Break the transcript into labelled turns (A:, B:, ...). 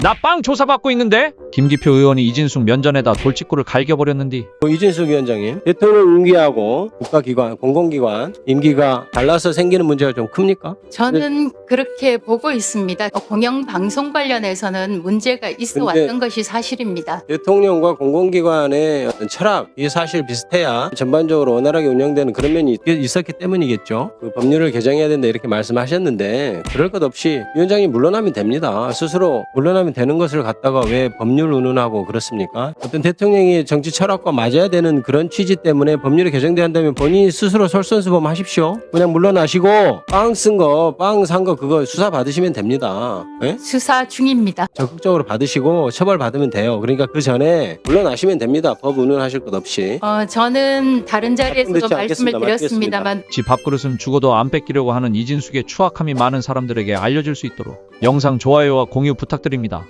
A: 나 빵 조사받고 있는데? 김기표 의원이 이진숙 면전에다 돌직구를 갈겨버렸는디.
B: 이진숙 위원장님, 대통령 임기하고 국가기관, 공공기관 임기가 달라서 생기는 문제가 좀 큽니까?
C: 저는 그렇게 보고 있습니다. 공영방송 관련해서는 문제가 있어 왔던 것이 사실입니다.
B: 대통령과 공공기관의 어떤 철학이 사실 비슷해야 전반적으로 원활하게 운영되는 그런 면이 있었기 때문이겠죠. 그 법률을 개정해야 된다 이렇게 말씀하셨는데 그럴 것 없이 위원장이 물러나면 됩니다. 스스로 물러나면 되는 것을 갖다가 왜 법률 운운하고 그렇습니까? 어떤 대통령이 정치 철학과 맞아야 되는 그런 취지 때문에 법률이 개정돼야 한다면 본인이 스스로 솔선수범하십시오. 그냥 물러나시고 빵 쓴 거, 빵 산 거 그거 수사 받으시면 됩니다. 네?
C: 수사 중입니다.
B: 적극적으로 받으시고 처벌 받으면 돼요. 그러니까 그 전에 물러나시면 됩니다. 법 운운하실 것 없이.
C: 저는 다른 자리에서도
B: 듣지
C: 말씀을
B: 않겠습니다.
C: 드렸습니다만
A: 지 밥그릇은 죽어도 안 뺏기려고 하는 이진숙의 추악함이 많은 사람들에게 알려질 수 있도록 영상 좋아요와 공유 부탁드립니다.